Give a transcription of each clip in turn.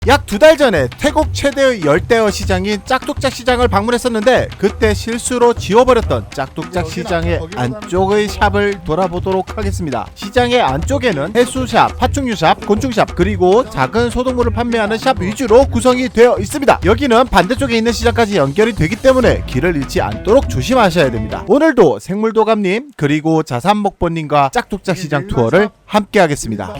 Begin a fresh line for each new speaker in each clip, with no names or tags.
약 2달 전에 태국 최대의 열대어 시장인 짝뚝짝 시장을 방문했었는데 그때 실수로 지워버렸던 짝뚝짝 시장의 안쪽의 샵을 돌아보도록 하겠습니다. 시장의 안쪽에는 해수샵, 파충류샵, 곤충샵 그리고 작은 소동물을 판매하는 샵 위주로 구성이 되어 있습니다. 여기는 반대쪽에 있는 시장까지 연결이 되기 때문에 길을 잃지 않도록 조심하셔야 됩니다. 오늘도 생물도감님 그리고 자산목보님과 짝뚝짝 시장 투어를 함께 하겠습니다.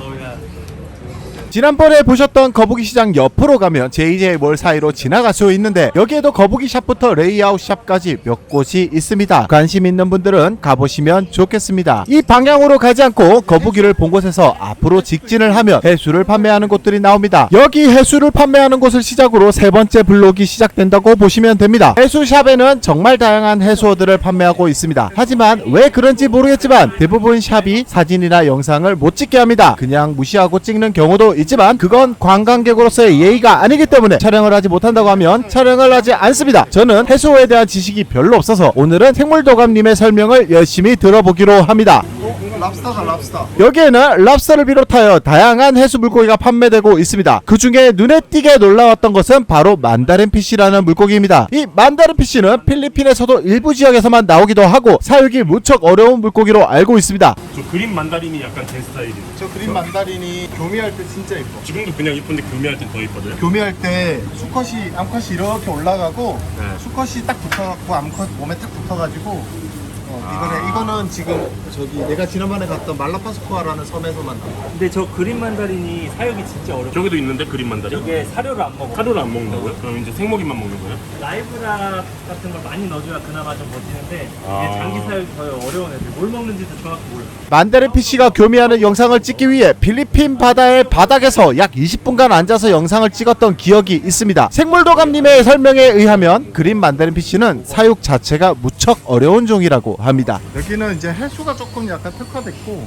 지난번에 보셨던 거북이 시장 옆으로 가면 JJ몰 사이로 지나갈 수 있는데 여기에도 거북이 샵부터 레이아웃 샵까지 몇 곳이 있습니다. 관심 있는 분들은 가보시면 좋겠습니다. 이 방향으로 가지 않고 거북이를 본 곳에서 앞으로 직진을 하면 해수를 판매하는 곳들이 나옵니다. 여기 해수를 판매하는 곳을 시작으로 세 번째 블록이 시작된다고 보시면 됩니다. 해수샵에는 정말 다양한 해수어들을 판매하고 있습니다. 하지만 왜 그런지 모르겠지만 대부분 샵이 사진이나 영상을 못 찍게 합니다. 그냥 무시하고 찍는 경우도 있지만 그건 관광객으로서의 예의가 아니기 때문에 촬영을 하지 못한다고 하면 촬영을 하지 않습니다. 저는 해수어에 대한 지식이 별로 없어서 오늘은 생물도감님의 설명을 열심히 들어보기로 합니다.
랍스타다 랍스타.
여기에는 랍스터를 비롯하여 다양한 해수 물고기가 판매되고 있습니다. 그 중에 눈에 띄게 놀라웠던 것은 바로 만다린피쉬라는 물고기입니다. 이 만다린피쉬는 필리핀에서도 일부 지역에서만 나오기도 하고 사육이 무척 어려운 물고기로 알고 있습니다.
저 그린 만다린이 약간 제 스타일이에요.
저 그린 만다린이 교미할 때 진짜 예뻐.
지금도 그냥 이쁜데 교미할 땐 더 이뻐져요.
교미할 때 암컷이 이렇게 올라가고
네.
수컷이 딱 붙어갖고 암컷 몸에 딱 붙어가지고 이거는 지금 저기 내가 지난번에 갔던 말라파스코아라는 섬에서만 나와.
근데 저 그린 만다린이 사육이 진짜 어려워.
저기도 있는데 그린 만다린.
이게 사료를 안 먹어.
사료를 안 먹는다고요? 그럼 이제 생먹이만 먹는 거예요?
라이브락 같은 걸 많이 넣어줘야 그나마 좀 버티는데
아.
이게 장기 사육이 더 어려운 애들. 뭘 먹는지도 정확히 몰라.
만다린피쉬가 교미하는 영상을 찍기 위해 필리핀 바다의 바닥에서 약 20분간 앉아서 영상을 찍었던 기억이 있습니다. 생물도감님의 설명에 의하면 그린 만다린피쉬는 사육 자체가 무척 어려운 종이라고 합니다.
여기는 이제 해수가 조금 약간 특화됐고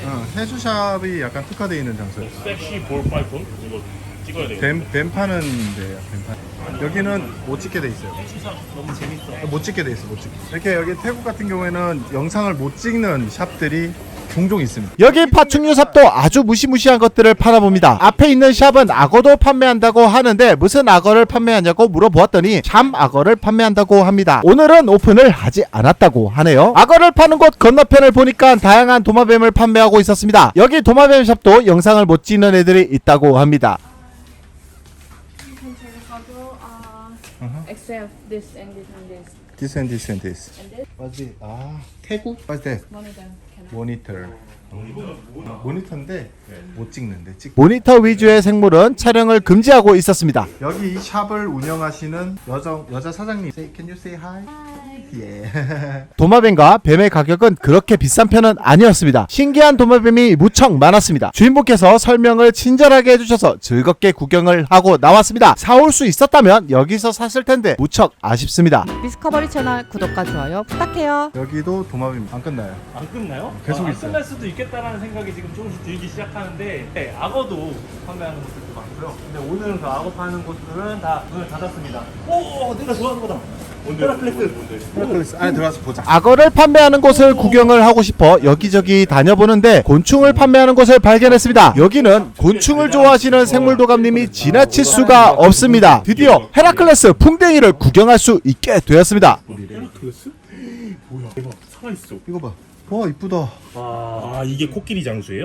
해수샵이 약간 특화되어 있는 장소예요.
섹시 볼 파이폰 이거 찍어야 돼요.
뱀 파는 데야. 뱀 파는. 여기는 못 찍게 돼 있어요.
너무 재밌어.
못 찍게 돼 있어. 못 찍게. 이렇게 여기 태국 같은 경우에는 영상을 못 찍는 샵들이 종종 있습니다.
여기 파충류 샵도 아주 무시무시한 것들을 팔아봅니다. 앞에 있는 샵은 악어도 판매한다고 하는데 무슨 악어를 판매하냐고 물어보았더니 참 악어를 판매한다고 합니다. 오늘은 오픈을 하지 않았다고 하네요. 악어를 파는 곳 건너편을 보니까 다양한 도마뱀을 판매하고 있었습니다. 여기 도마뱀 샵도 영상을 못 찍는 애들이 있다고 합니다.
You can take a photo, except this and this and this.
This and this and this.
And this,
What's it? 태국? What's that?
one of them can
모니터. 모니터인데 못 찍는데
모니터 위주의 생물은 촬영을 금지하고 있었습니다.
여기 이 샵을 운영하시는 여자 사장님. Can you say hi? 예.
도마뱀과 뱀의 가격은 그렇게 비싼 편은 아니었습니다. 신기한 도마뱀이 무척 많았습니다. 주인분께서 설명을 친절하게 해주셔서 즐겁게 구경을 하고 나왔습니다. 사올 수 있었다면 여기서 샀을 텐데 무척 아쉽습니다.
디스커버리 채널 구독과 좋아요 부탁해요.
여기도 도마뱀 안 끝나요.
안 끝나요?
계속
안
있어요.
끝날 수도 있겠다라는 생각이 지금 조금씩 들기 시작하는데 네, 악어도 판매하는 곳들도 많고요. 근데 오늘은 그 악어 파는 곳들은 다 문을 닫았습니다. 오, 내가 좋아하는 거다. 헤라클레스.
헤라클레스 안에 들어가서 보자.
악어를 판매하는 곳을 구경을 하고 싶어 여기저기 다녀보는데 곤충을 판매하는 곳을 발견했습니다. 여기는 곤충을 좋아하시는 생물도감님이 지나칠 수가 없습니다. 드디어 헤라클레스 풍뎅이를 구경할 수 있게 되었습니다.
헤라클레스? 뭐야? 대박 살아있어.
이거 봐. 와 이쁘다.
아 이게 코끼리 장수예요?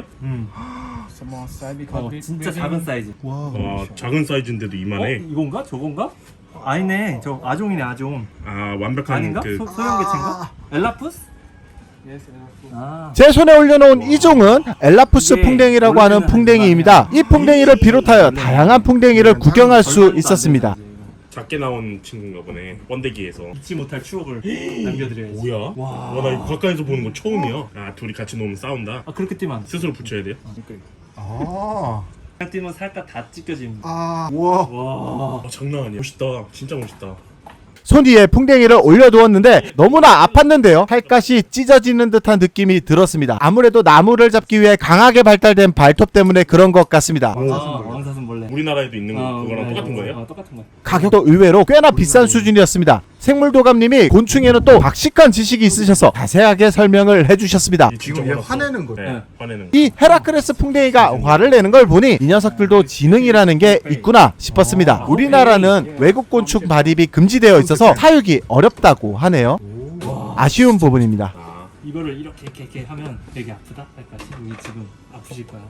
진짜 작은 사이즈.
와.
와 작은 사이즈인데도 이만해.
이건가? 저건가? 아니네. 저 아종이네, 아종.
아 완벽한
아닌가?
그
소형개체인가? 엘라푸스? 아.
제 손에 올려놓은 이 종은 엘라푸스
이게
풍뎅이라고 하는
원래는
풍뎅이입니다. 이 풍뎅이를 비롯하여 다양한 풍뎅이를 구경할 수 있었습니다.
작게 나온 친구인가 보네. 번데기에서.
잊지 못할 추억을 남겨드려야지.
뭐야? 와 나 이거 가까이서 보는 건 처음이야. 아 둘이 같이 놓으면 싸운다.
아, 그렇게 뛰면 안 돼.
스스로 붙여야 돼요?
아.
그냥 뛰면 살짝 다 찢겨집니다.
아. 우와.
와.
아 장난 아니야. 멋있다. 진짜 멋있다.
손 위에 풍뎅이를 올려두었는데 너무나 아팠는데요. 팔까시 찢어지는 듯한 느낌이 들었습니다. 아무래도 나무를 잡기 위해 강하게 발달된 발톱 때문에 그런 것 같습니다.
왕사슴벌레.
우리나라에도 있는 거 그거랑 똑같은 거예요?
똑같은 거예요.
가격도 의외로 꽤나 비싼 수준이었습니다. 생물도감님이 곤충에는 또 박식한 지식이 있으셔서 자세하게 설명을 해주셨습니다.
이
지금 얘 화내는 거예요.
네, 화내는 거.
이 헤라크레스 풍뎅이가 화를 내는 걸 보니 이 녀석들도 지능이라는 게 있구나 싶었습니다. 우리나라는 외국 곤충 발입이 금지되어 있어서 사육이 어렵다고 하네요. 아쉬운 부분입니다.
이거를 이렇게 하면 되게 아프다 할까? 여기 지금 아프실 거야.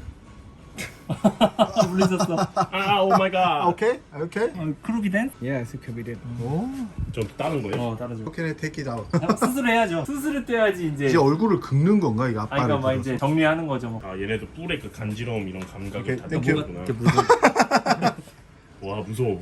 물리셨어.
아, 오 마이 갓.
오케이? 오케이?
크루비덴?
좀 다른 거예요?
따라줘.
오케이, take it out.
수술해야죠. 수술을 떼야지 이제.
이제 얼굴을 긁는 건가 이거
아니
아빠를?
그러니까 막 이제 정리하는 거죠 뭐.
아, 얘네도 뿔의 그 간지러움 이런 감각을
오케이,
다
땡큐.
느끼구나. 와, 무서워.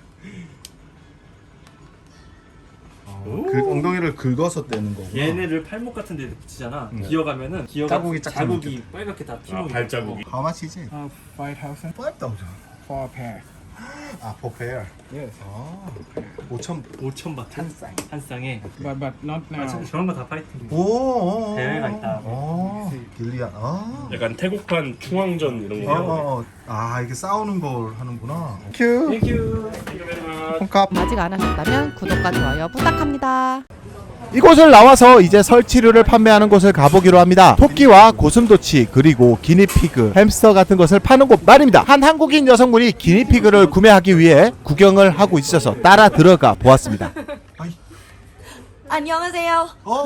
그 엉덩이를 긁어서 떼는 거고.
얘네를 팔목 같은 데 붙이잖아. 기어가면은
자국이 짝짝
자국이 빨갛게 다 피고.
아, 발자국이.
How much is it?
5,000
5,000.
for a pair.
아, per pair.
Yes.
5,000바트 한 쌍에.
But not now.
저런 거 다 파이팅.
오.
대회가 있다.
길리안. 아.
약간 태국판 충황전 이런 거.
아, 이게 싸우는 걸 하는구나. 큐.
땡큐.
콩값.
아직 안 하셨다면 구독과 좋아요 부탁합니다.
이곳을 나와서 이제 설치류를 판매하는 곳을 가보기로 합니다. 토끼와 고슴도치 그리고 기니피그, 햄스터 같은 것을 파는 곳 말입니다. 한 한국인 여성분이 기니피그를 구매하기 위해 구경을 하고 있어서 따라 들어가 보았습니다.
안녕하세요.
어?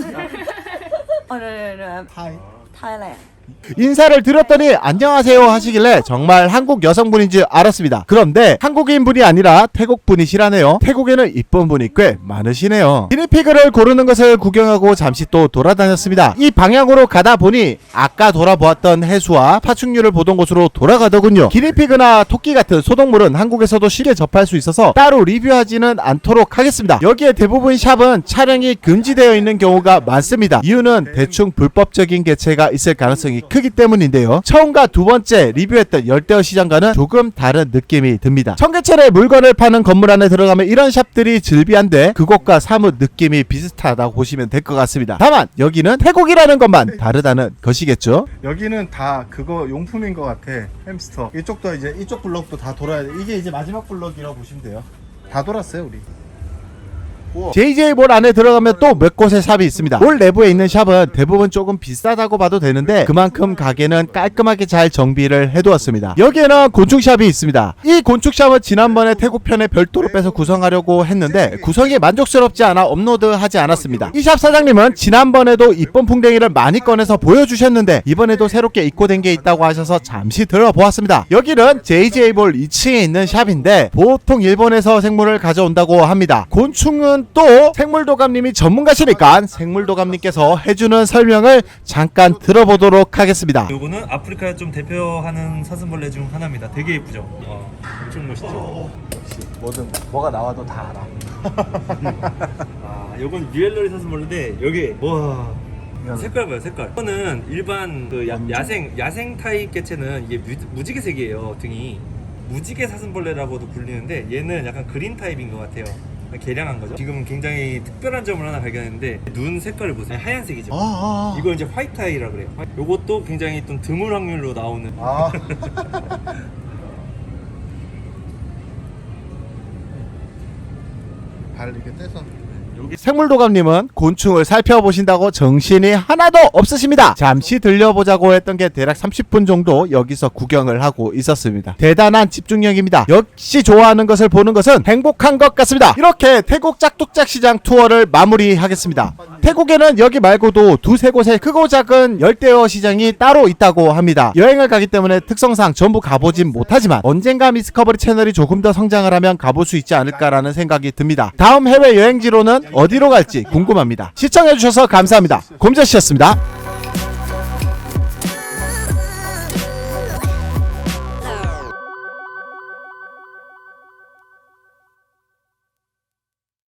오늘은
하이.
타일랜드.
인사를 드렸더니 안녕하세요 하시길래 정말 한국 여성분인 줄 알았습니다. 그런데 한국인분이 아니라 태국분이시라네요. 태국에는 이쁜 분이 꽤 많으시네요. 기니피그를 고르는 것을 구경하고 잠시 또 돌아다녔습니다. 이 방향으로 가다 보니 아까 돌아보았던 해수와 파충류를 보던 곳으로 돌아가더군요. 기니피그나 토끼 같은 소동물은 한국에서도 쉽게 접할 수 있어서 따로 리뷰하지는 않도록 하겠습니다. 여기에 대부분 샵은 촬영이 금지되어 있는 경우가 많습니다. 이유는 대충 불법적인 개체가 있을 가능성이 크기 때문인데요. 처음과 두 번째 리뷰했던 열대어 시장과는 조금 다른 느낌이 듭니다. 청계천에 물건을 파는 건물 안에 들어가면 이런 샵들이 즐비한데 그곳과 사뭇 느낌이 비슷하다고 보시면 될 것 같습니다. 다만 여기는 태국이라는 것만 다르다는 것이겠죠.
여기는 다 그거 용품인 것 같아. 햄스터. 이쪽도 이제 이쪽 블럭도 다 돌아야 돼. 이게 이제 마지막 블럭이라고 보시면 돼요. 다 돌았어요, 우리.
JJ몰 안에 들어가면 또 몇 곳의 샵이 있습니다. 몰 내부에 있는 샵은 대부분 조금 비싸다고 봐도 되는데 그만큼 가게는 깔끔하게 잘 정비를 해두었습니다. 여기에는 곤충샵이 있습니다. 이 곤충샵은 지난번에 태국편에 별도로 빼서 구성하려고 했는데 구성이 만족스럽지 않아 업로드하지 않았습니다. 이 샵 사장님은 지난번에도 이쁜 풍뎅이를 많이 꺼내서 보여주셨는데 이번에도 새롭게 입고된 게 있다고 하셔서 잠시 들어보았습니다. 여기는 JJ몰 2층에 있는 샵인데 보통 일본에서 생물을 가져온다고 합니다. 곤충은 또 생물도감님이 전문가시니까 생물도감님께서 해주는 설명을 잠깐 들어보도록 하겠습니다.
요거는 아프리카에 좀 대표하는 사슴벌레 중 하나입니다. 되게 예쁘죠? 엄청 멋있죠?
뭐가 나와도 다 알아.
아, 요건 뮤엘러리 사슴벌레인데 여기 와 색깔 봐요, 색깔. 이거는 일반 그 야생 타입 개체는 이게 무지개색이에요, 등이. 무지개 사슴벌레라고도 불리는데 얘는 약간 그린 타입인 것 같아요. 개량한 거죠. 지금 굉장히 특별한 점을 하나 발견했는데 눈 색깔을 보세요. 하얀색이죠. 이거 이제 화이트 아이라 그래요. 요것도 굉장히 좀 드물 확률로 나오는.
발 이렇게 떼서.
생물도감님은 곤충을 살펴보신다고 정신이 하나도 없으십니다. 잠시 들려보자고 했던 게 대략 30분 정도 여기서 구경을 하고 있었습니다. 대단한 집중력입니다. 역시 좋아하는 것을 보는 것은 행복한 것 같습니다. 이렇게 태국 짝뚝짝 시장 투어를 마무리하겠습니다. 태국에는 여기 말고도 두세 곳의 크고 작은 열대어 시장이 따로 있다고 합니다. 여행을 가기 때문에 특성상 전부 가보진 못하지만 언젠가 미스커버리 채널이 조금 더 성장을 하면 가볼 수 있지 않을까라는 생각이 듭니다. 다음 해외 여행지로는 어디로 갈지 궁금합니다. 시청해주셔서 감사합니다. 곰저씨였습니다.